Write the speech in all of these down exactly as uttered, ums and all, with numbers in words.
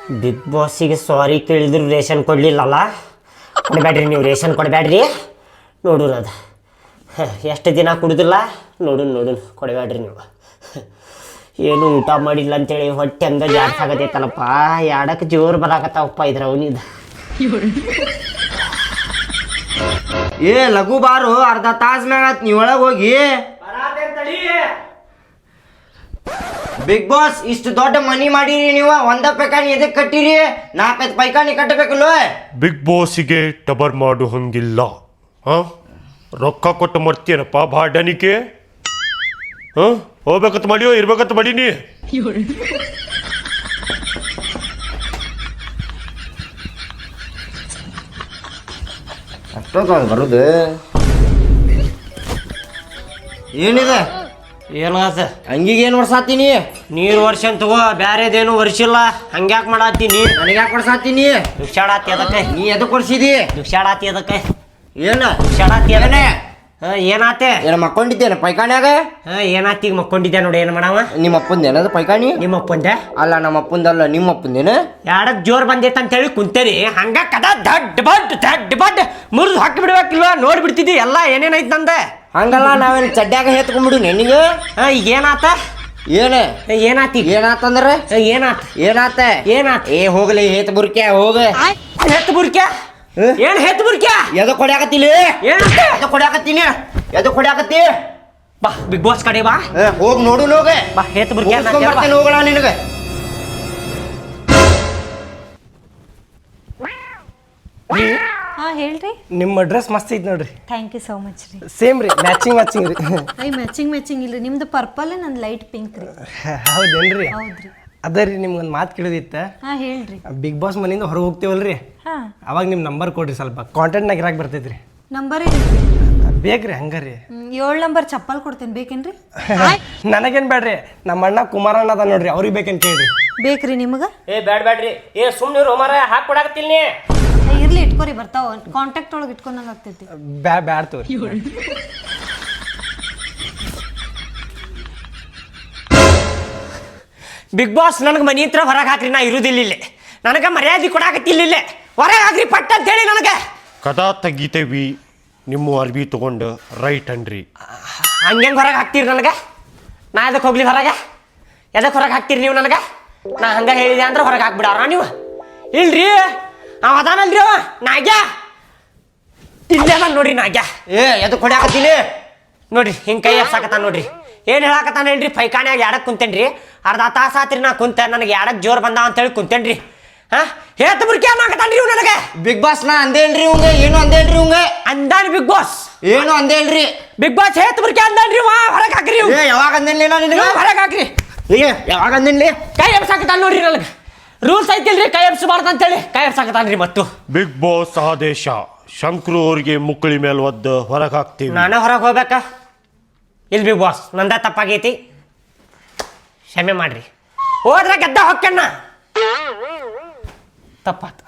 Big ಬಾಸಿಗೆ ಸಾರಿ ಕೇಳಿದ್ರು ration ಕೊಡಲಿಲ್ಲಲ್ಲ, ಕೊಡಬೇಡ್ರಿ ನೀವು, ration ಕೊಡಬೇಡ್ರಿ. ನೋಡೋಣ ಅದು ಎಷ್ಟು ದಿನ ಕುಡಿದಿಲ್ಲ, ನೋಡೋಣ ನೋಡೋಣ, ಕೊಡಬೇಡ್ರಿ ನೀವು. ಏನು ಊಟ ಮಾಡಿಲ್ಲ ಅಂತೇಳಿ ಹೊಟ್ಟೆ ಹಂಗ ಜಾಸ್ತಿ ಆಗತೈತಲ್ಲಪ್ಪ, ಎರಡಕ್ಕೆ ಜೋರು ಬರಾಕತ್ತಾವಪ್ಪ ಇದ್ರ ಅವನಿದ. ಏ ಲಘು ಬಾರು, ಅರ್ಧ ತಾಸ್ ಮ್ಯಾಗ ನೀ ಒಳಗೆ ಹೋಗಿ. ಬಿಗ್ ಬಾಸ್ ಇಷ್ಟು ದೊಡ್ಡ ಮನಿ ಮಾಡಿರಿ ನೀವು, ಒಂದ ಪೈಕಾನಿ ಎದಕ್ಕೆ ಕಟ್ಟಿರಿ? ನಾಲ್ಕೈದು ಪೈಕಾನಿ ಕಟ್ಟಬೇಕಲ್ಲ. ಬಿಗ್ ಬಾಸಿಗೆ ಟಬರ್ ಮಾಡು ಹಂಗಿಲ್ಲ. ಹಾಂ ರೊಕ್ಕ ಕೊಟ್ಟು ಮಾಡ್ತೀನಪ್ಪ ಬಾಡನಿಕೆ. ಹಾಂ ಹೋಗ್ಬೇಕಂತ ಮಾಡಿಯೋ ಇರ್ಬೇಕಂತ ಮಾಡೀನಿ. ಅಷ್ಟೊಂದು ಬರುದು ಏನಿದೆ? ಏನಾದ ಹಂಗಿಗೆ ಏನು ವರ್ಷಾತೀನಿ? ನೀರು ವರ್ಷ ತಗೋ, ಬ್ಯಾರೇದೇನು ವರ್ಷಿಲ್ಲ. ಹಂಗ್ಯಾಕೆ ಮಾಡತ್ತೀನಿ? ನನಗೆ ಯಾಕೆ ವರ್ಷಾತೀನಿ? ದುಕ್ಷಾಡಾತಿ ಅದಕ್ಕೆ. ನೀ ಎದಕ್ಕೆ ವರ್ಷಿದಿ? ದುಕ್ಷಾಡಾತಿ ಅದಕ್ಕೆ. ಏನ ದುಕ್ಷಾಡಾತಿ ಅದನ್ನೇ. ಹಾಂ ಏನಾತೆ? ಏನ ಮಕ್ಕೊಂಡಿದ್ದೇನೆ ಪೈಕಾನ್ಯಾಗ? ಹಾಂ ಏನಾತಿ? ಈಗ ಮಕ್ಕೊಂಡಿದ್ದೆ ನೋಡಿ, ಏನು ಮಾಡವ? ನಿಮ್ಮ ಅಪ್ಪಂದೇನದು ಪೈಕಾನಿ? ನಿಮ್ಮ ಅಪ್ಪಂದೆ ಅಲ್ಲ ನಮ್ಮ ಅಪ್ಪಂದಲ್ಲ, ನಿಮ್ಮ ಅಪ್ಪಂದೇನ? ಎರಡಕ್ಕೆ ಜೋರು ಬಂದೈತೆ ಅಂತೇಳಿ ಕುಂತೇರಿ, ಹಂಗ ಕದ ದಡ್ ಬಡ್ ದಡ್ ಬಡ್ ಮುರಿದು ಹಾಕಿ ಬಿಡ್ಬೇಕಿಲ್ವ? ನೋಡ್ಬಿಡ್ತಿದ್ದಿ ಎಲ್ಲ ಏನೇನೈತೆ ನಂದೆ. ಹಂಗಲ್ಲ, ನಾವೇನು ಚಡ್ಡ್ಯಾಗ ಹೇತ್ಕೊಂಡ್ಬಿಡು ನಿನಗೆ. ಹಾಂ ಈಗ ಏನಾತ? ಏನ ಏನಾತಿ? ಏನಾತಂದ್ರೆ ಏನಾತ? ಏನಾತ? ಏನಾತ? ಏ ಹೋಗ್ಲಿ, ಹೇತ್ ಬುರ್ಕ್ಯಾ ಹೋಗ. ಹೆತ್ ಬುರ್ಕ್ಯಾ? ಏನ್ ಹೆತ್ ಬುರ್ಕ್ಯಾ? ಎದ ಕೊಡ್ಯಾಕತ್ತಿಲಿ? ಏನಂತೆ? ಎದ ಕೊಡ್ಯಾಕತ್ತೀನಿ? ಎದ ಕೊಡ್ಯಾಕತ್ತಿ? ಬಾ ಬಿಗ್ ಬಾಸ್ ಕಡೆ ಬಾ. ಹೋಗ್ ನೋಡು ನೋಗ. ಬಾ ಹೆತ್ ಬುರ್ಕ್ಯಾ ಬರ್ತೇನೆ, ಹೋಗೋಣ ನಿನಗೆ. ಹಾಂ ಹೇಳ್ರಿ. ನಿಮ್ಮ ಡ್ರೆಸ್ ಮಸ್ತ್ ಐತಿ ನೋಡ್ರಿ. ಥ್ಯಾಂಕ್ ಯು ಸೋ ಮಚ್ ರೀ. ಸೇಮ್ ರೀ, ಮ್ಯಾಚಿಂಗ್ ಮ್ಯಾಚಿಂಗ್ ರೀ. ಐ ಮ್ಯಾಚಿಂಗ್ ಮ್ಯಾಚಿಂಗ್ ಇಲ್ರಿ, ನಿಮ್ದು ಪರ್ಪಲ್ ನಂದು ಲೈಟ್ ಪಿಂಕ್ ರೀ. ಹೌದೇನ್ರಿ? ಹೌದ್ರಿ. ಅದೇ ರೀ, ನಿಮ್ಗೊಂದು ಮಾತು ಕೇಳೋದಿತ್ತ. ಹಾಂ ಹೇಳ್ರಿ. ಬಿಗ್ ಬಾಸ್ ಮನೆಯಿಂದ ಹೊರಗೆ ಹೋಗ್ತೀವಲ್ರಿ, ಹಾಂ ಅವಾಗ ನಿಮ್ಮ ನಂಬರ್ ಕೊಡ್ರಿ, ಸ್ವಲ್ಪ ಕಾಂಟ್ಯಾಕ್ಟ್ನಾಗ ಇರಾಕ್ ಬರ್ತೈತ್ರಿ. ನಂಬರ್ ಇರಿ. ಬೇಕ್ರಿ ಹಂಗಾರಿ. ಏಳು ನಂಬರ್ ಚಪ್ಪಲ್ ಕೊಡ್ತೇನೆ, ಬೇಕೇನ್ರಿ? ನನಗೇನು ಬೇಡ್ರಿ, ನಮ್ಮ ಅಣ್ಣ ಕುಮಾರಣ್ಣ ಅದ ನೋಡ್ರಿ, ಅವ್ರಿಗೆ ಬೇಕಂತ ಕೇಳ್ರಿ. ಬೇಕ್ರಿ ನಿಮಗೆ? ಏ ಬ್ಯಾಡ್ ಬ್ಯಾಡ್ರಿ, ಏ ಸುಮ್ಮನೆ ರೋಮಾರ ಹಾಕಿ ಕೊಡಾಕತ್ತಿಲ್ ನೀ. ಇರ್ಲಿ, ಇಟ್ಕೋರಿ, ಬರ್ತಾವ. ಕಾಂಟ್ಯಾಕ್ಟ್ ಒಳಗೆ ಇಟ್ಕೊಂಡಂಗೆ ಆಗ್ತೈತಿ. ಬ್ಯಾ ಬ್ಯಾಡ್ ತೋರಿ. ಬಿಗ್ ಬಾಸ್ ನನಗೆ ಮನಿ ಹತ್ರ ಹೊರಗೆ ಹಾಕ್ರಿ, ನಾ ಇರುದಿಲ್ಲ ಇಲ್ಲೇ. ನನಗೆ ಮರ್ಯಾದೆ ಕೊಡಾಕತ್ತಿಲ್ಲ ಇಲ್ಲೇ, ಹೊರಗೆ ಹಾಕ್ರಿ ಪಟ್ಟ ಅಂತ ಹೇಳಿ ನನಗೆ. ಕದಾ ತೆಗಿತೇವಿ ನಿಮ್ಮ ಅರ್ಬಿ ತಗೊಂಡು ರೈಟ್ ಅನ್ರಿ. ಹಂಗೆ ಹೊರಗೆ ಹಾಕ್ತೀರಿ ನನಗೆ? ನಾ ಎದಕ್ಕೆ ಹೋಗ್ಲಿ ಹೊರಗೆ? ಎದಕ್ಕೆ ಹೊರಗೆ ಹಾಕ್ತೀರಿ ನೀವು ನನಗೆ? ನಾ ಹಂಗೆ ಹೇಳಿದೆ ಅಂದ್ರೆ ಹೊರಗೆ ಹಾಕ್ಬಿಡಾರ ನೀವು? ಇಲ್ರಿ, ಅವ ಅದಾನಲ್ರಿ ಅವ ನಾಗ್ಯ, ಇಲ್ಲೇ ನಾನು ನೋಡ್ರಿ ನಾಗ್ಯ. ಏ ಎದ ಕೊಡ್ಯಾಕತ್ತೀನಿ? ನೋಡ್ರಿ ಹಿಂಗೆ ಕೈ ಎಪ್ಸಾಕತ್ತಾನ ನೋಡ್ರಿ. ಏನು ಹೇಳಾಕತ್ತಾನೇನ್ರಿ? ಪೈಕಾನ್ಯಾಗ ಎಡಕ್ಕೆ ಕುಂತೇನ್ರಿ, ಅರ್ಧ ತಾಸು ಆತ್ರಿ ನಾ ಕುಂತೆ, ನನಗೆ ಎಡಕ್ಕೆ ಜೋರು ಬಂದಾವ ಅಂತೇಳಿ ಕುಂತೇನ್ರಿ. ಹಾಂ ಹೇತ್ ಬುರ್ಕಿ ಅನ್ನಕತ್ತಾನ್ರಿ ಇವ್ ನನಗೆ. ಬಿಗ್ ಬಾಸ್ ನಾ ಅಂದೇನ್ರಿ ಇವಂಗ? ಏನು ಅಂದೇನ್ರಿ ಇವಂಗ? ಅಂದಾನಿ ಬಿಗ್ ಬಾಸ್. ಏನು ಅಂದೇನ್ರಿ? ಬಿಗ್ ಬಾಸ್ ಹೇತ್ ಬುರ್ಕಿ ಅಂದಾನ್ರಿ, ವಾ ಹೊರಗೆ ಹಾಕ್ರಿ. ಏ ಯಾವಾಗ ಅಂದೇನ್ಲಿ ನಾ ನಿನಗೆ? ಹೊರಗೆ ಹಾಕ್ರಿ. ಏ ಯಾವಾಗ ಅಂದೇನ್ಲಿ? ಕೈ ಎಬ್ಸಾಕತ್ತಾನ ನೋಡ್ರಿ ನನಗೆ. ರೂಲ್ಸ್ ಐತಿಲ್ರಿ ಕೈ ಎಬ್ಸಬಾರ್ದು ಅಂತೇಳಿ ಕೈ ಎಬ್ಸಾಕತ್ತಾನ್ರಿ. ಮತ್ತು ಬಿಗ್ ಬಾಸ್ ಆದೇಶ, ಶಂಕ್ರು ಅವ್ರಿಗೆ ಮುಕ್ಕಳಿ ಮೇಲೆ ಒದ್ದು ಹೊರಗೆ ಹಾಕ್ತೀವಿ. ನಾನೇ ಹೊರಗೆ ಹೋಗ್ಬೇಕಾ? ಇಲ್ಲಿ ಬಿಗ್ ಬಾಸ್ ನಂದ ತಪ್ಪಾಗೈತಿ, ಕ್ಷಮೆ ಮಾಡ್ರಿ. ಹೋದ್ರೆ ಗೆದ್ದ ಹೊಕ್ಕಣ್ಣ, ತಪ್ಪಾತ.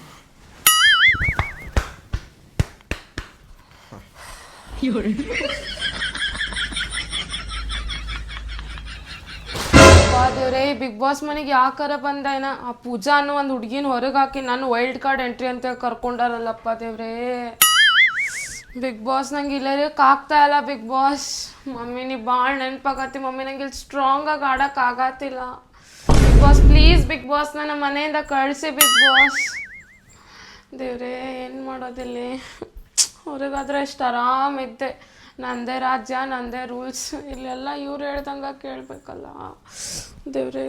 ದೇವ್ರೆ, ಬಿಗ್ ಬಾಸ್ ಮನೆಗೆ ಯಾಕಾರ ಬಂದೇನ? ಆ ಪೂಜಾ ಅನ್ನೋ ಒಂದು ಹುಡುಗಿನ ಹೊರಗೆ ಹಾಕಿ ನಾನು ವೈಲ್ಡ್ ಕಾರ್ಡ್ ಎಂಟ್ರಿ ಅಂತ ಕರ್ಕೊಂಡಾರಲ್ಲಪ್ಪ ದೇವ್ರೆ. ಬಿಗ್ ಬಾಸ್ ನಂಗೆ ಇಲ್ಲರಕ್ಕೆ ಆಗ್ತಾ ಇಲ್ಲ. ಬಿಗ್ ಬಾಸ್ ಮಮ್ಮಿ ನೀ ಭಾಳ ನೆನಪಾಗತ್ತಿ ಮಮ್ಮಿ, ನಂಗೆ ಇಲ್ಲಿ ಸ್ಟ್ರಾಂಗ್ ಆಗಿ ಆಡಕ್ಕೆ ಆಗತ್ತಿಲ್ಲ. Bigg Boss please, Bigg Boss ನನ್ನ ಮನೆಯಿಂದ ಕಳಿಸಿ ಬಿಗ್ ಬಾಸ್. ದೇವ್ರೆ ಏನು ಮಾಡೋದಿಲ್ಲ, ಹೊರಗಾದ್ರೆ ಎಷ್ಟು ಆರಾಮಿದ್ದೆ. ನಂದೇ ರಾಜ್ಯ, ನಂದೇ ರೂಲ್ಸ್, ಇಲ್ಲೆಲ್ಲ ಇವ್ರು ಹೇಳ್ದಂಗೆ ಕೇಳಬೇಕಲ್ಲ ದೇವ್ರೇ.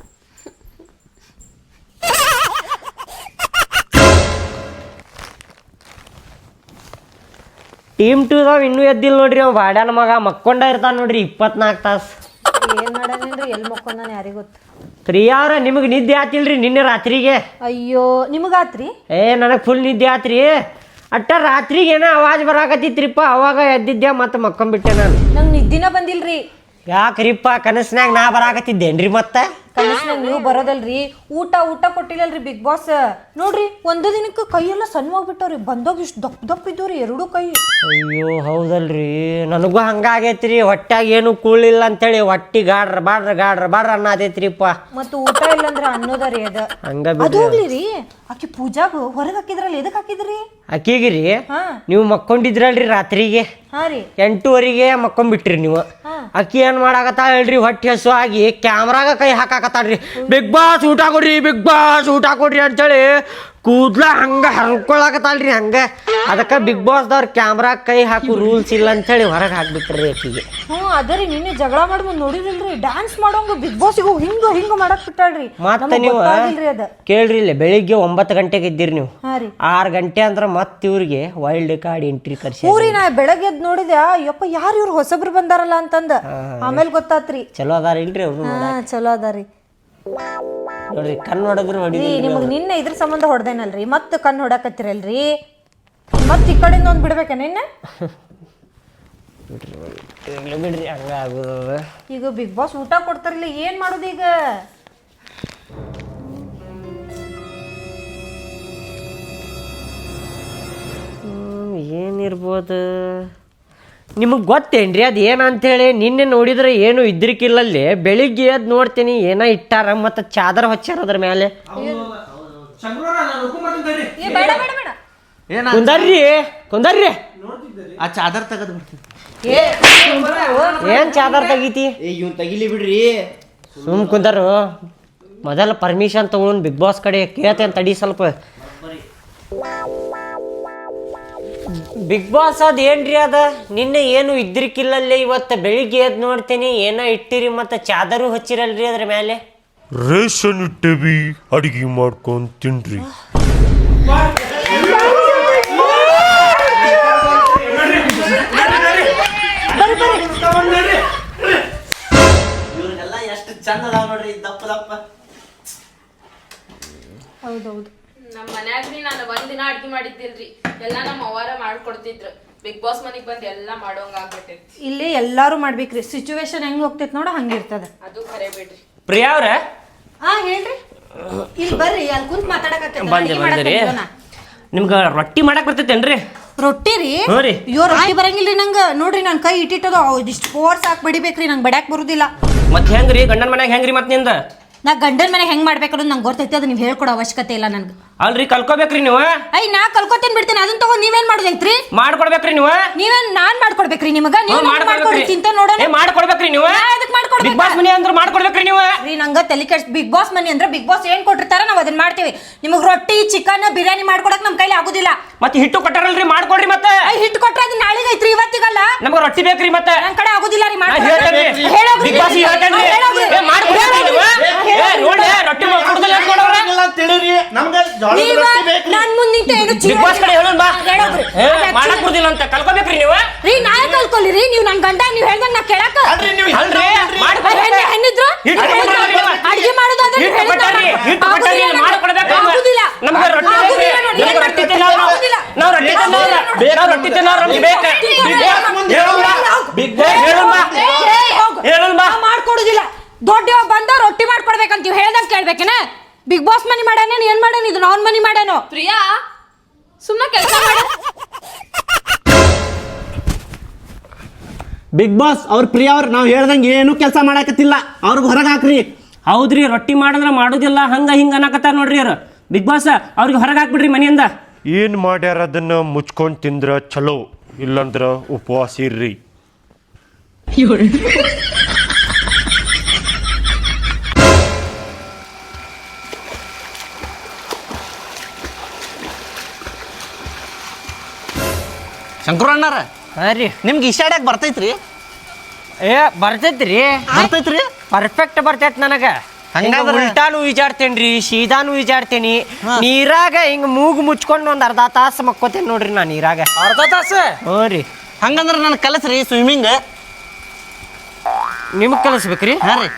ಟೀಮ್ ಟೂದವ್ ಇನ್ನೂ ಎದ್ದಿಲ್ಲ ನೋಡ್ರಿ, ಅವ್ ಬಾಡ್ಯಾನ ಮಗ ಮಕ್ಕೊಂಡ ಇರ್ತಾನ ನೋಡ್ರಿ ಇಪ್ಪತ್ನಾಲ್ಕು ತಾಸು. ಏನು ಮಾಡೋದೇನ್ರಿ, ಎಲ್ಲಿ ಮಕ್ಕೊಂದಾನೆ ಯಾರಿಗೆ ಗೊತ್ತು. ಪ್ರಿಯಾವ್ರ ನಿಮಗೆ ನಿದ್ದೆ ಆತಿಲ್ರಿ ನಿನ್ನೆ ರಾತ್ರಿಗೆ? ಅಯ್ಯೋ ನಿಮಗಾತ್ರಿ? ಏ ನನಗೆ ಫುಲ್ ನಿದ್ದೆ ಆತ್ರಿ. ಅಟ್ಟ ರಾತ್ರಿಗೆ ಏನೋ ಅವಾಜ್ ಬರಾಕತ್ತಿತ್ರಿಪ್ಪ, ಅವಾಗ ಎದ್ದಿದ್ದೆ ಮತ್ತೆ ಮಕ್ಕೊಂಬಿಟ್ಟೆ ನಾನು. ನಂಗೆ ನಿದ್ದಿನ ಬಂದಿಲ್ರಿ. ಯಾಕ್ರಿಪ್ಪ, ಕನಸ್ನಾಗ ನಾ ಬರಾಕತ್ತಿದ್ದೇನ್ರಿ ಮತ್ತೆ? ಕನಸ್ನಾಗ ನೀವು ಬರೋದಲ್ರಿ ಊಟ ಊಟ ಕೊಟ್ಟಿಲ್ಲಲ್ರಿ ಬಿಗ್ ಬಾಸ್ ನೋಡ್ರಿ ಒಂದು ದಿನಕ್ಕೆ ಕೈಯೆಲ್ಲ ಸಣ್ಣವಾಗ್ಬಿಟ್ಟವ್ರಿ ಬಂದೋಗಿ ಇಷ್ಟು ದಪ್ಪ ದಪ್ಪ ಇದ್ದವ್ರಿ ಎರಡು ಕೈ. ಅಯ್ಯೋ ಹೌದಲ್ರಿ ನನಗೂ ಹಂಗಾಗೈತ್ರಿ ಹೊಟ್ಯಾಗ ಏನು ಕೂಳಿಲ್ಲ ಅಂತೇಳಿ ಹೊಟ್ಟಿ ಗಾಡ್ರ ಬಾಡ್ರ ಗಾಡ್ರ ಬಾಡ್ರ ಅನ್ನತೈತ್ರಿಪ್ಪ. ಮತ್ತು ಊಟ ಇಲ್ಲಂದ್ರ ಅನ್ನೋದರಿ ಅದ ಹಂಗ ಅದು ಹೋಗ್ಲಿ ರೀ ಆಕಿ ಪೂಜಾಗ ಹೊರಗೆ ಹಾಕಿದ್ರಲ್ಲ ಎದಕ್ ಹಾಕಿದ್ರಿ? ಅಕ್ಕಿಗಿರಿ ಹಾ ನೀವು ಮಕ್ಕೊಂಡಿದ್ರಲ್ರಿ ರಾತ್ರಿಗೆ ಹಾ ರೀ ಎಂಟೂವರೆಗೆ ಮಕ್ಕೊಂಬಿಟ್ರಿ ನೀವು. ಅಕ್ಕಿ ಏನ್ ಮಾಡಾಕತ್ತಾಳ ಹೇಳ್ರಿ ಹೊಟ್ಟೆ ಹಸು ಆಗಿ ಕ್ಯಾಮ್ರಾಗ ಕೈ ಹಾಕಾಕತ್ತಾಳ್ರಿ. ಬಿಗ್ ಬಾಸ್ ಊಟ ಕೊಡ್ರಿ ಬಿಗ್ ಬಾಸ್ ಊಟ ಕೊಡ್ರಿ ಅಂತೇಳಿ ಕೂದ್ಲ ಹಂಗ ಹರ್ಕೊಳಕತ್ತಾಳ್ರಿ ಹಂಗ. ಅದಕ್ಕೆ ಬಿಗ್ ಬಾಸ್ದವ್ರ ಕ್ಯಾಮ್ರಾ ಕೈ ಹಾಕು ರೂಲ್ಸ್ ಇಲ್ಲ ಅಂತೇಳಿ ಹೊರಗೆ ಹಾಕ್ಬಿಟ್ರಿ ಅಕ್ಕಿಗೆ. ಹ್ಞೂ ಅದರಿ ನಿನ್ನೆ ಜಗಳ ಮಾಡ್ಬೋದು ನೋಡಿರಿಲ್ರಿ ಡ್ಯಾನ್ಸ್ ಮಾಡೋಂಗ ಬಿಗ್ ಬಾಸಿಗೂ ಹಿಂಗ ಹಿಂಗ ಮಾಡಕ್ ಬಿಟ್ಟಾಳ್ರಿ. ಮತ್ತೆ ನೀವು ಅದ ಕೇಳ್ರಿ ಇಲ್ಲ ಬೆಳಿಗ್ಗೆ ಒಂಬತ್ತು ಗಂಟೆಗೆ ಇದ್ದೀರಿ ನೀವು ಹಾ ರೀ ಆರು ಗಂಟೆ ಅಂದ್ರೆ ಮತ್ತೆ ಇವ್ರಿಗೆ ವೈಲ್ಡ್ ಕಾರ್ಡ್ ಎಂಟ್ರಿ ಕರ್ಸಿ. ಊರಿ ನಾ ಬೆಳಗ್ಗೆ ಎದ್ದು ನೋಡಿದೆ ಯಪ್ಪ ಯಾರು ಇವ್ರು ಹೊಸಬ್ರು ಬಂದಾರಲ್ಲ ಅಂತಂದ ಆಮೇಲೆ ಗೊತ್ತಾತ್ರಿ. ಚಲೋ ಅದಾರ ಇಲ್ರಿ ಅವ್ರು ಹಾ ಚಲೋ ಅದಾರಿ ನೋಡ್ರಿ ಕಣ್ಣು ಹೊಡೆದ್ರು ಹೊಡಿ. ನಿಮಗ್ ನಿನ್ನೆ ಇದ್ರ ಸಂಬಂಧ ಹೊಡ್ದೇನಲ್ರಿ ಮತ್ ಕಣ್ ಹೊಡಕತ್ತಿರಲ್ರಿ ಮತ್ ಈ ಕಡೆಯಿಂದ ಒಂದ್ ಬಿಡ್ಬೇಕ ನಿನ್ನ ಬಿಡ್ರಿ ಹಂಗ ಆಗುದ. ಈಗ ಬಿಗ್ ಬಾಸ್ ಊಟ ಕೊಡ್ತಾರಲ್ಲ ಏನ್ ಮಾಡುದು ಈಗ? ಏನಿರ್ಬೋದು ನಿಮಗೆ ಗೊತ್ತೇನ್ರಿ ಅದು ಏನಂತೇಳಿ? ನಿನ್ನೆ ನೋಡಿದ್ರೆ ಏನು ಇದ್ರಿಕಿಲ್ಲಲ್ಲಿ ಬೆಳಿಗ್ಗೆ ಎದ್ದು ನೋಡ್ತೀನಿ ಏನೋ ಇಟ್ಟಾರ ಮತ್ತು ಚಾದರ್ ಹಚ್ಚಾರ ಅದ್ರ ಮೇಲೆ. ಕುಂದರ್ರಿ ಕುಂದರ್ರಿ ಆ ಚಾದರ್ ತೆಗೆದು ಬಿಡ್ತೀನಿ. ಏನ್ ಚಾದರ್ ತೆಗಿತಿ? ಏ ಇವ್ನು ತೆಗಿಲಿ ಬಿಡ್ರಿ. ಸುಮ್ ಕುಂದರು ಮೊದಲ ಪರ್ಮಿಷನ್ ತಗೊಂಡು ಬಿಗ್ ಬಾಸ್ ಕಡೆ ಕೇಳ್ತೇನೆ ತಡಿ ಸ್ವಲ್ಪ. ಬಿಗ್ ಬಾಸ್ ಅದ ಏನ್ರಿ ಅದ ನಿನ್ನೆ ಏನು ಇದ್ರಿಕಿಲ್ಲಲ್ಲಿ ಇವತ್ತು ಬೆಳಿಗ್ಗೆ ಎದ್ದು ನೋಡ್ತೀನಿ ಏನೋ ಇಟ್ಟಿರಿ ಮತ್ತು ಚಾದರು ಹಚ್ಚಿರಲ್ರಿ ಅದ್ರ ಮೇಲೆ. ರೇಷನ್ ಇಟ್ಟೇವಿ ಅಡಿಗೆ ಮಾಡ್ಕೊಂಡು ತಿನ್ರಿ. ಇವ್ರಿಗೆಲ್ಲ ಎಷ್ಟು ಚಂದ ಅದಾವ ನೋಡ್ರಿ ದಪ್ಪ ದಪ್ಪ. ಹೌದೌದು ನಮ್ಮ ಮನ್ಯಾಗ್ರಿ ನಾನು ಒಂದಿನ ಅಡ್ಗೆ ಮಾಡಿದ್ದಿಲ್ರಿ ಎಲ್ಲಾ ನಮ್ಮ ಅವ್ವಾರ ಮಾಡ್ಕೊಡ್ತಿದ್ರು. ಬಿಗ್ ಬಾಸ್ ಮನಿಗ್ ಬಂದ್ ಎಲ್ಲಾ ಮಾಡೋಂಗ ಆಗ್ಬಿಟ್ಟೈತಿ. ಇಲ್ಲಿ ಎಲ್ಲಾರು ಮಾಡ್ಬೇಕ್ರಿ ಸಿಚುವೇಶನ್ ಹೆಂಗ್ ಹೋಗ್ತೈತಿ ನೋಡ ಹಂಗಿರ್ತದ. ಅದು ಖರೆ ಬಿಡ್ರಿ. ಪ್ರಿಯಾ ಅವ್ರ ಹಾ ಹೇಳ್ರಿ ಇಲ್ಲಿ ಬರ್ರಿ ಅಲ್ಲಿ ಕುಂತ್ ಮಾತಾಡಕತ್ತೀನಿ. ಬಂದೆ ಬಂದ್ರಿ ನಿಮ್ಗೆ ರೊಟ್ಟಿ ಮಾಡಕ್ ಬರ್ತೈತೇನ್ರಿ? ರೊಟ್ಟಿ ರೀ ಹ್ಞೂ ರೀ. ಅಯ್ಯೋ ರೊಟ್ಟಿ ಬರಂಗಿಲ್ರಿ ನಂಗ ನೋಡ್ರಿ ನನ್ ಕೈ ಇಟ್ಟಿಟ್ಟದ ಇಷ್ಟು ಫೋರ್ಸ್ ಹಾಕಿ ಬಡಿಬೇಕ್ರಿ ನಂಗೆ ಬಡ್ಯಾಕ್ ಬರುದಿಲ್ಲ. ಮತ್ತೆ ಹೆಂಗ್ರಿ ಗಂಡನ ಮನ್ಯಾಗ ಹೆಂಗ್ರಿ ಮತ್ತೆ ನಿಂದ? ನಾ ಗಂಡನ ಮನೆ ಹೆಂಗ್ ಮಾಡ್ಬೇಕನ್ನೋದು ನಂಗೆ ಗೊತ್ತೈತಿ ಅದು ನೀವು ಹೇಳ್ಕೊಡೋ ಅವಶ್ಯಕತೆ ಇಲ್ಲ ನನ್ಗೆ. ಅಲ್ರಿ ಕಲ್ಕೋಬೇಕ್ರಿ ನೀವು. ಐ ನಾ ಕಲ್ಕೋತೇನ್ ಬಿಡ್ತೇನೆ ಅದನ್ನ ತಗೊಂಡ್ ನೀವೇನ್ ಮಾಡೋದೈತ್ರಿ? ಮಾಡ್ಕೊಡ್ಬೇಕ್ರಿ ನೀವು. ನೀವೇನ್ ನಾನ್ ಮಾಡ್ಕೊಡ್ಬೇಕ್ರಿ ನಿಮಗ? ನೀವು ಮಾಡ್ಕೊಡ್ರಿ ಚಿಂತೆ ನೋಡೋಣ. ಏ ಮಾಡ್ಕೊಡ್ಬೇಕ್ರಿ ನೀವು. ಅದಕ್ಕೆ ಮಾಡ್ಕೊಡ್ಬೇಕು. ಬಿಗ್ ಬಾಸ್ ಮನಿ ಅಂದ್ರೆ ಮಾಡ್ಕೊಡ್ಬೇಕ್ರಿ ನೀವು. ರೀ ನಂಗ ತಲೆ ಕೆಡ್ಸ್ ಬಿಗ್ ಬಾಸ್ ಮನಿ ಅಂದ್ರೆ ಬಿಗ್ ಬಾಸ್ ಏನ್ ಕೊಟ್ಟಿರ್ತಾರ ನಾವ್ ಅದನ್ನ ಮಾಡ್ತೀವಿ. ನಿಮಗ್ ರೊಟ್ಟಿ ಚಿಕನ್ ಬಿರಿಯಾನಿ ಮಾಡ್ಕೊಡಕ್ ನಮ್ ಕೈಲಿ ಆಗುದಿಲ್ಲ. ಮತ್ತೆ ಹಿಟ್ಟು ಕೊಟ್ಟಾರಲ್ರಿ ಮಾಡ್ಕೊಡ್ರಿ ಮತ್ತೆ. ಐ ಹಿಟ್ಟು ಕೊಟ್ರೆ ಅದು ನಾಳೆಗೆ ಐತ್ರಿ ಇವತ್ತಿಗಲ್ಲ. ನಮ್ಗೆ ರೊಟ್ಟಿ ಬೇಕ್ರಿ ಮತ್ತೆ. ನನ್ ಕಡೆ ಆಗುದಿಲ್ಲ ರೀ ನಾ ಹೇಳ್ತೇನ್ರಿ. Big boss ಹೇಳ್ತೇನ್ರಿ. ಏ ಮಾಡ್ಕೊಡ್ಬೇಕ್ರಿ ನೀವು. ಏ ನೋಡಿ ರೊಟ್ಟಿ ಮಾಡ್ಕೊಡ್ದಲ್ಲ ಅಂತ ನೋಡವ್ರೆ. ತಿಳಿರಿ ನಮ್ಗೆ ಜೋಳದ ರೊಟ್ಟಿ ಬೇಕ್ರಿ. ನನ್ ಮುಂದೆ ನಿಂತು ಏನು ಬಿಗ್ ಬಾಸ್ ಕಡೆ ಹೇಳೋಣ ಬಾ. ಏ ಮಾಡಕ್ ಬರುದಿಲ್ಲ ಅಂತ ಕಲ್ಕೋಬೇಕ್ರಿ ನೀವು. ರೀ ನಾ ಕಲ್ಕೊಲಿ ರೀ ನೀವು ನನ್ ಗಂಡ ನೀವು ಹೇಳ್ದಂಗ ನಾ ಕೇಳಕ. ಅಲ್ರಿ ನೀವು ಅಲ್ರಿ ಹೆಣ್ಣು ಹೆಣ್ಣಿದ್ರು ಅಡಿಗೆ ಮಾಡೋದಾದ್ರೆ ಹಿಟ್ಟು ಕೊಟ್ಟಾರಿ ಹಿಟ್ಟು ಕೊಟ್ಟಾರಿ ಮಾಡ್ಕೊಡ್ಬೇಕು. ನಮ್ಗೆ ರೊಟ್ಟಿ ಬೇಕ್ರಿ. ನಮ್ಗೆ ರೊಟ್ಟಿ ತಿನ್ನೋರು ನಾವು ರೊಟ್ಟಿ ತಿನ್ನೋರು ನಾವು ರೊಟ್ಟಿ ತಿನ್ನೋರು ನಮ್ಗೆ ಬೇಕು. ಬಿಗ್ ಬಾಸ್ ಹೇಳೋಣ ಹೇಳೋಣ ಮಾಡ್ಕೊಡುದಿಲ್ಲ. ದೊಡ್ಡ ಬಂದ ರೊಟ್ಟಿ ಮಾಡ್ಕೊಡ್ಬೇಕಂತೀವಿ ಹೇಳ್ದಂಗ ಕೇಳ್ಬೇಕೇನ? ಬಿಗ್ ಬಾಸ್ ಮನಿ ಮಾಡ್ಯಾನ ಏನ್ ಮಾಡ್ಯಾನ ಇದು ನಾನ್ ಮನಿ ಮಾಡ್ಯಾನೋ? ಪ್ರಿಯಾ ಸುಮ್ಮನೆ ಕೆಲಸ ಮಾಡ. ಬಿಗ್ ಬಾಸ್ ಅವ್ರ ಪ್ರಿಯ ಅವ್ರು ನಾವು ಹೇಳ್ದಂಗೆ ಏನು ಕೆಲಸ ಮಾಡಕತ್ತಿಲ್ಲ ಅವ್ರಿಗೆ ಹೊರಗೆ ಹಾಕ್ರಿ. ಹೌದ್ರಿ ರೊಟ್ಟಿ ಮಾಡಿದ್ರೆ ಮಾಡೋದಿಲ್ಲ ಹಂಗ ಹಿಂಗ ಅನ್ನಕತ್ತಾರ ನೋಡ್ರಿ ಅವ್ರು. ಬಿಗ್ ಬಾಸ್ ಅವ್ರಿಗೆ ಹೊರಗೆ ಹಾಕ್ಬಿಡ್ರಿ ಮನೆಯಿಂದ. ಏನು ಮಾಡ್ಯಾರ ಅದನ್ನ ಮುಚ್ಕೊಂಡು ತಿಂದ್ರ ಚಲೋ ಇಲ್ಲಂದ್ರ ಉಪವಾಸ ಇರ್ರಿ. ಶಂಕರಣ್ಣರ ಹಾಂ ರೀ ನಿಮ್ಗೆ ಇಷ್ಟಾಡ್ಯಾಕ ಬರ್ತೈತ್ರಿ? ಏ ಬರ್ತೈತ್ರಿ ಬರ್ತೈತ್ರಿ ಪರ್ಫೆಕ್ಟ್ ಬರ್ತೈತ್ ನನಗೆ. ಹಂಗಾದ್ರೆ ಉಲ್ಟಾನು ಈಜಾಡ್ತೇನ್ರಿ ಸೀದಾನು ಈಜಾಡ್ತೇನಿ. ನೀರಾಗ ಹಿಂಗ ಮೂಗು ಮುಚ್ಕೊಂಡು ಒಂದ್ ಅರ್ಧ ತಾಸು ಮಕ್ಕೋತೇನೆ ನೋಡ್ರಿ ನಾ ನೀರಾಗ. ಅರ್ಧ ತಾಸು? ಹ್ಞೂ ರೀ. ಹಂಗಂದ್ರೆ ನನಗೆ ಕಲಸ್ರಿ ಸ್ವಿಮ್ಮಿಂಗ್. ನಿಮಗೆ ಕಲಿಸ್ಬೇಕ್ರಿ? ಹಾಂ ರೀ.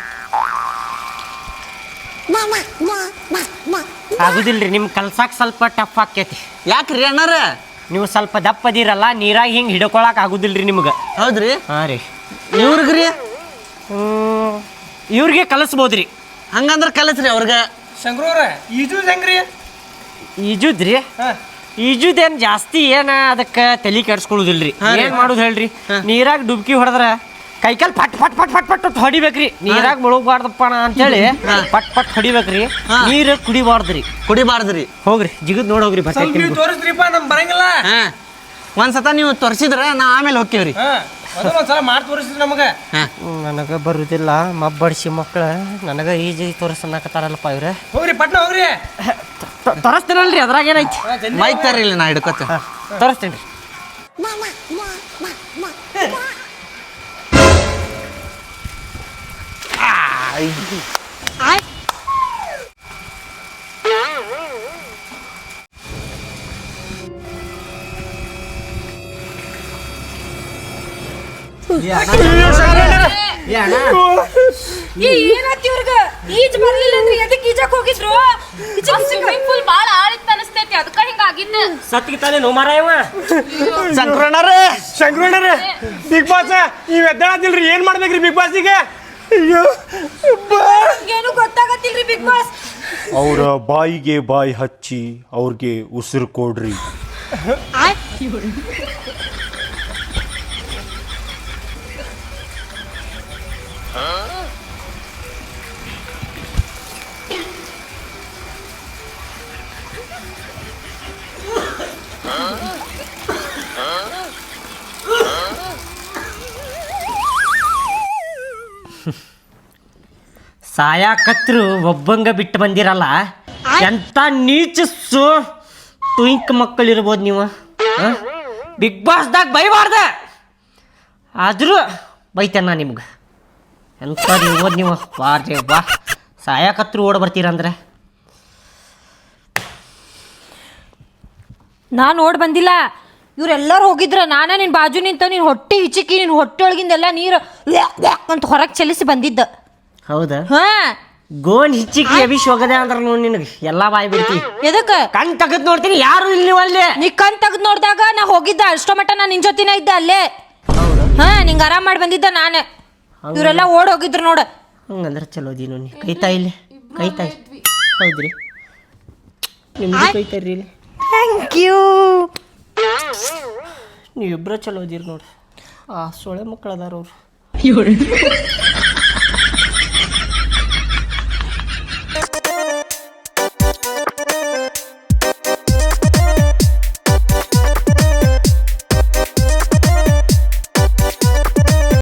ಆಗುದಿಲ್ರಿ ನಿಮ್ಗೆ ಕಲ್ಸಾಕ್ ಸ್ವಲ್ಪ ಟಫ್ ಆಕೈತಿ. ಯಾಕ್ರಿ ಅಣ್ಣಾರ? ನೀವು ಸ್ವಲ್ಪ ದಪ್ಪ ಅದಿರಲ್ಲ ನೀರಾಗ ಹಿಂಗೆ ಹಿಡ್ಕೊಳಕ್ ಆಗುದಿಲ್ರಿ ನಿಮ್ಗೆ. ಹೌದ್ರಿ. ಹಾಂ ರೀ. ಇವ್ರಿಗ್ರಿ ಇವ್ರಿಗೆ ಕಲಿಸ್ಬೋದ್ರಿ. ಹಂಗಂದ್ರೆ ಕಲಿಸ್ರಿ ಅವ್ರಿಗೆ. ಶಂಕ್ರವ್ರ ಈಜುದ್ ಹೆಂಗ್ರಿ? ಈಜುದ್ರಿ ಈಜುದೇನು ಜಾಸ್ತಿ ಏನ ಅದಕ್ಕೆ ತಲೆ ಕೆಡ್ಸ್ಕೊಳ್ಳೋದಿಲ್ರಿ. ಏನು ಮಾಡೋದು ಹೇಳ್ರಿ, ನೀರಾಗ ಡುಬ್ಕಿ ಹೊಡೆದ್ರ ಕೈಕಾಲ್ ಪಟ್ ಪಟ್ ಪಟ್ ಪಟ್ ಪಟ್ ಹೊಡಿಬೇಕ್ರಿ. ನೀರಾಗ ಮುಳುಗಬಾರ್ದಪ್ಪ ಅಂತೇಳಿ ಪಟ್ ಪಟ್ ಹೊಡಿಬೇಕ್ರಿ. ನೀರು ಕುಡಿಬಾರ್ದ್ರಿ. ಕುಡಿಬಾರ್ದ್ರಿ. ಹೋಗ್ರಿ ಜಿಗದ್ ನೋಡಿ ಹೋಗ್ರಿ ಸ್ವಲ್ಪ ನೀವು ಬರ್ತೈತಿ. ತೋರಿಸ್ರಿಪ್ಪ, ನಮ್ ಬರಂಗಿಲ್ಲ. ಹಾ ಒಂದ್ಸತ ನೀವು ತೋರಿಸಿದ್ರ ನಾ ಆಮೇಲೆ ಹೋಗ್ತೀವ್ರಿ. ಹಾ ಮೊದಲು ಒಂದ್ಸಲ ಮಾಡಿ ತೋರಿಸ್ರಿ ನಮಗೆ. ನನಗೆ ಬರುದಿಲ್ಲ, ಮಬ್ಬಡಿಸಿ ಮಕ್ಕಳು ನನಗೆ ಈಜಿ ತೋರಿಸನ್ನಕತ್ತಾರಲ್ಲಪ್ಪ ಇವ್ರೆ. ಹೋಗ್ರಿ ಪಟ್ನ ಹೋಗ್ರಿ. ತೋರಿಸ್ತೇನಲ್ರಿ, ಅದ್ರಾಗ ಏನೈತಿ. ಮೈಕ್ ತರ್ರಿ ಇಲ್ಲಿ, ನಾ ಹಿಡ್ಕೊತ ತೋರಿಸ್ತೇನೆ. ಏನಾಯ್ತು ಇವ್ರಿಗ? ಈಜ್ ಬರ್ಲಿಲ್ಲ ಅಂದ್ರೆ ಎದಕ್ಕೆ ಈಜಕ್ ಹೋಗಿದ್ರು? ಸ್ವಿಮ್ಮಿಂಗ್ ಪೂಲ್ ಬಾಳ ಆಳಿತ್ ಅನಸ್ತೈತಿ, ಅದಕ್ಕ ಹಿಂಗಾಗಿದ್ದು. ಸತ್ಗೆ ತಾನೇ ನೋ ಮಾರಾಯವ. ಶಂಕರಣ್ಣರೇ, ಶಂಕ್ರಣ್ಣರೇ, ಬಿಗ್ ಬಾಸ್ ನೀವ್ ಎದ್ದಾಳದಿಲ್ರಿ, ಏನ್ ಮಾಡ್ಬೇಕ್ರಿ ಬಿಗ್ ಬಾಸ್ಗೆ? ಏನು ಗೊತ್ತಾಗತ್ತಿಲ್ರಿ ಬಿಗ್ ಬಾಸ್. ಅವರ ಬಾಯಿಗೆ ಬಾಯಿ ಹಚ್ಚಿ ಅವ್ರಿಗೆ ಉಸಿರು ಕೊಡ್ರಿ. ಸಾಯಾಕತ್ರು ಒಬ್ಬಂಗ ಬಿಟ್ಟು ಬಂದಿರಲ್ಲ. ಎಂತ ನೀಚಸ್ಸು ಟ್ವಿಂಕ್ ಮಕ್ಕಳಿರ್ಬೋದು ನೀವು. ಬಿಗ್ ಬಾಸ್ದಾಗ ಬೈಬಾರ್ದ, ಆದರೂ ಬೈತೇನೆ ನಾ ನಿಮ್ಗೆ. ಎಂತ ಇರ್ಬೋದು ನೀವು. ಬಾರ್ರಿ ಬಾ, ಸಾಯಾಕತ್ರು ಓಡ ಬರ್ತೀರಂದ್ರೆ. ನಾನು ಓಡ್ ಬಂದಿಲ್ಲ, ಇವ್ರೆಲ್ಲರೂ ಹೋಗಿದ್ರ. ನಾನ ನಿನ್ ಬಾಜು ನಿಂತ ನಿನ್ ಹೊಟ್ಟೆ ಹಿಚಿಕಿ ನಿನ್ ಹೊಟ್ಟೆ ಒಳಗಿಂದೆಲ್ಲ ನೀರು ಅಂತ ಹೊರಗೆ ಚಲಿಸಿ ಬಂದಿದ್ದ. ಹೌದಾ? ಹಾ ಗೋನ್ ಹಿಚ್ಚಿಕಿ ಅಭಿಷ್ ಹೋಗದೆ ಅಂದ್ರೆ ನೋಡಿ ನಿನಗೆ ಎಲ್ಲ ಬಾಯಿ ಬಿಡ್ತಿ. ಎದಕ್ಕ? ಕಣ್ ತೆಗೆದು ನೋಡ್ತೀನಿ, ಯಾರು ಇಲ್ಲಿ ನೀವು ಅಲ್ಲಿ. ನೀ ಕಣ್ ತೆಗ್ದು ನೋಡಿದಾಗ ನಾ ಹೋಗಿದ್ದ, ಅಷ್ಟೋ ಮಟ್ಟ ನಾ ನಿನ್ ಜೊತಿನ ಇದ್ದ ಅಲ್ಲೇ. ಹಾ ನಿಂಗೆ ಆರಾಮ್ ಮಾಡಿ ಬಂದಿದ್ದ ನಾನು. ಇವರೆಲ್ಲ ಓಡ್ ಹೋಗಿದ್ರು ನೋಡ. ಹಂಗಂದ್ರೆ ಚಲೋ ದೀನು ನೀ ಕೈತಾ ಇಲ್ಲಿ ಕೈತಾ. ಹೌದ್ರಿ, ನಿಮ್ದು ಕೈತಾರ್ರಿ ಇಲ್ಲಿ. Thank you. ನೀವಿಬ್ಬರ ಚಲೋ ಇದೀರಿ ನೋಡಿ. ಆ ಸೊಳೆ ಮಕ್ಕಳು ಅದಾರ ಅವ್ರು.